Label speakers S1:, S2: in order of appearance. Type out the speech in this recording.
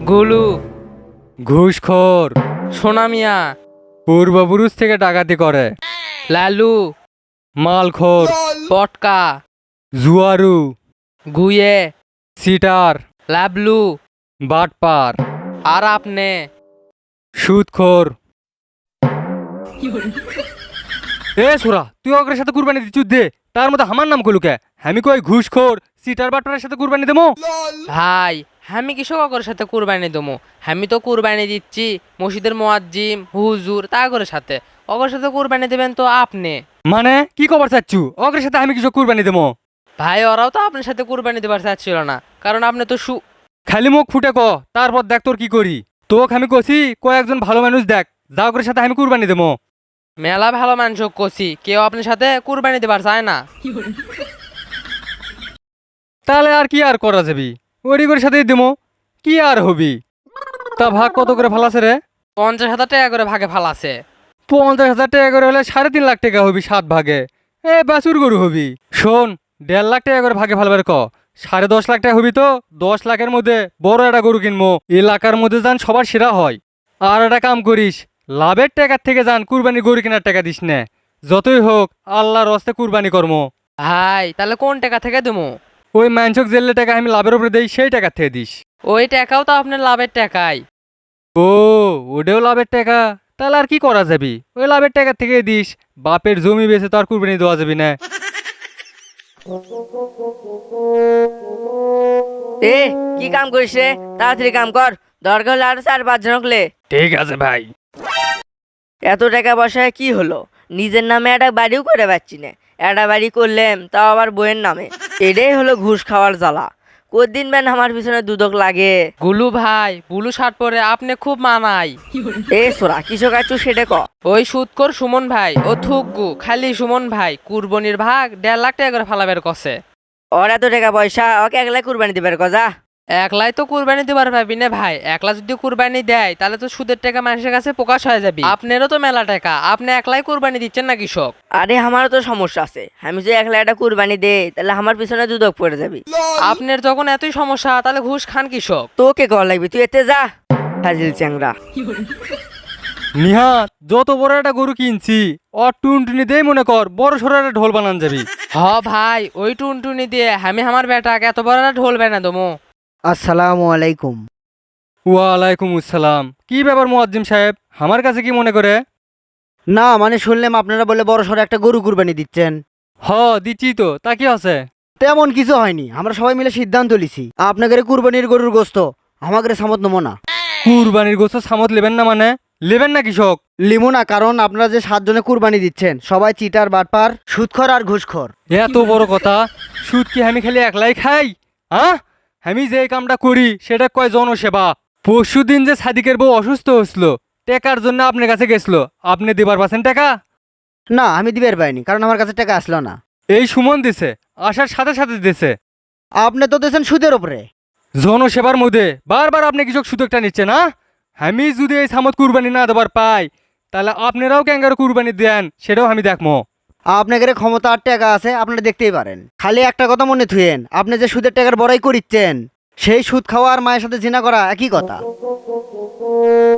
S1: গুলু,
S2: ঘুষখোর,
S1: সোনা মিয়া,
S2: পূর্বপুরুষ থেকে ডাকাতি করে,
S1: লালু,
S2: মালখোর,
S1: পটকা,
S2: জুয়ারু,
S1: গুয়ে,
S2: সিটার,
S1: লাবলু,
S2: বাটপার,
S1: আর আপনি।
S2: সুদখোর। এ সোরা, তুই অগ্রের সাথে কুরবানি দিচ্ছু দে, তার মধ্যে আমার নাম কলুকে। আমি কই ঘুষখোর সিটার বাটপারের সাথে কুরবানি দেবো?
S1: ভাই, আমি কৃষক অগরের সাথে কুরবানি দেবো? আমি তো কুরবানি দিচ্ছি মসজিদের মুয়াজ্জিম হুজুর তাগরের সাথে। অগরের সাথে কুরবানি দেবেন তো আপনি।
S2: মানে কি খবর চাচ্ছু? অগ্রের সাথে আমি কিছু কুরবানি দেবো?
S1: ভাই, ওরাও তো আপনার সাথে কুরবানি দেবার চাচ্ছিল না, কারণ আপনি তো
S2: খালি মুখ ফুটে ক, তারপর দেখ তোর কি করি। তোকে আমি কছি কয়েকজন ভালো মানুষ দেখ, যা অগ্রের সাথে আমি কুরবানি দেবো।
S1: মেলা ভালো মানুষ কষি, কেউ আপনার সাথে কুরবানি দেবার চায় না।
S2: তাহলে আর কি আর করা যাবি, ওরি করে সাথেই দেবো, কি আর হবি। তা ভাগ কত করে ফালাছে রে?
S1: 50,000 টাকা করে ভাগে ফালাছে।
S2: 50,000 টাকা করে হলে 3.5 লাখ টাকা হবি 7 ভাগে। এ বাছুর গরু হবি। শোন, 1.5 লাখ টাকা করে ভাগে ফালবার ক, 10.5 লাখ টাকা হবি তো 10 লাখের মধ্যে বড় একটা গরু কিনবো, এলাকার মধ্যে যান সবার সেরা হয়। আর একটা কাম করিস, লাভের টাকার থেকে যান কুরবানি গরু কেনার টাকা দিস না। যতই হোক আল্লাহর রস্তে কুরবানি কর্ম।
S1: ভাই, তাহলে কোন টাকা থেকে দেবো?
S2: ওই মাংসক জেলে টাকা আমি লাভের উপরে দেই, সেই টাকার থেকে দিস।
S1: ওই টাকাও তো আপনার লাভের টাকাই।
S2: ও, ওটাও লাভের টাকা? তাহলে আর কি করা যাবি, ওই লাভের টাকা থেকে দিস। বাপের জমি বেচে তো আর কুরবানি দেওয়া যাবি না।
S3: এ কি কাম করিস রে? তাড়াতাড়ি কাম কর, দরকার হলে আরো 4-5 জন হলে।
S2: ঠিক আছে ভাই।
S3: এত টাকা পয়সায় কি হলো? নিজের নামে একটা বাড়িও করে পাচ্ছি না। একটা বাড়ি করলাম তাও আবার বইয়ের নামে। এটাই হলো ঘুষ খাওয়ার জ্বালা। কদিন বেন আমার পিছনে দুদক লাগে।
S1: গুলু ভাই, ব্লু শার্ট পরে আপনি খুব মানাই।
S3: এ সোরা কিসব আছো সেটা ক।
S1: ওই সুদকর সুমন ভাই ও থুকগু খালি সুমন ভাই কুরবানির ভাগ 1.5 লাখ টাকা করে ফালাবের কষে।
S3: ওর এত টাকা পয়সা, ওকে একলাই কুরবানি দিবার কজা।
S1: একলাই তো কুরবানি দিবার পাবি না ভাই, একলা যদি কুরবানি দেয় তাহলে তো সুদের টাকা মানুষের কাছে প্রকাশ হয়ে যাবে। আপনারও তো মেলা টাকা, আপনি একলাই কুরবানি দিচ্ছেন না কৃষক?
S3: আরে আমারও তো সমস্যা আছে, আমি যদি একলা একটা কুরবানি দেই তাহলে আমার পিছনে দুদক পড়ে যাবি।
S1: আপনার যখন এতই সমস্যা তাহলে ঘুষ খান কৃষক।
S3: তোকে কল লাগবি, তুই এতে যা ফাজিল চ্যাংরা।
S2: নিহাত, যত বড় একটা গরু কিনছি অর টুনটুনি দেই মনে কর বড় সড়ো একটা ঢোল বানান যাবি।
S1: হ ভাই, ওই টুনটুনি দিয়ে আমি আমার বেটাকে এত বড় একটা ঢোল বানা দমো।
S4: আসসালামু আলাইকুম।
S2: ওয়ালাইকুম আসসালাম। কি ব্যাপার মুয়াজ্জিম সাহেব, আমার কাছে কি মনে করে?
S4: না মানে শুনলাম আপনারা বলে বড় সড়ো একটা গরু কুরবানি দিচ্ছেন।
S2: হ, দিচ্ছি তো, তা কি আছে?
S4: তেমন কিছু হয়নি, আমরা সবাই মিলে সিদ্ধান্ত লিছি আপনাদের কুরবানির গরুর গোস্ত আমাদের সামত নেবো না।
S2: কুরবানির গোস্ত সামত লেবেন না মানে? লেবেন না কৃষক?
S4: লিমো না, কারণ আপনারা যে 7 জনে কুরবানি দিচ্ছেন সবাই চিটার বাটপার সুদখর আর ঘুষখর।
S2: এত বড় কথা? সুদ কি আমি খালি একলাই খাই? হ্যাঁ, আমি যে কামটা করি সেটা কয় জনসেবা। পরশু দিন যে সাদিকের বউ অসুস্থ হয়েছিল, টাকার জন্য আপনার কাছে গেছিল, আপনি দিবার পাচ্ছেন টাকা?
S4: না আমি দিবের পাইনি, কারণ আমার কাছে টাকা আসলো না।
S2: এই সুমন দিছে, আসার সাথে সাথে দিছে।
S4: আপনি তো দিয়েছেন সুদের ওপরে।
S2: জনসেবার মধ্যে বারবার আপনি কৃষক সুযোগটা নিচ্ছে না। আমি যদি এই সামত কুরবানি না দেবার পাই, তাহলে আপনারাও ক্যাঙ্গারো কুরবানি দেন, সেটাও আমি দেখবো।
S4: আপনাদের ক্ষমতা আর টাকা আছে, আপনারা দেখতেই পারেন। খালি একটা কথা মনে থুয়েন, আপনি যে সুদের টাকার বড়াই করিচ্ছেন সেই সুদ খাওয়া আর মায়ের সাথে জিনা করা একই কথা।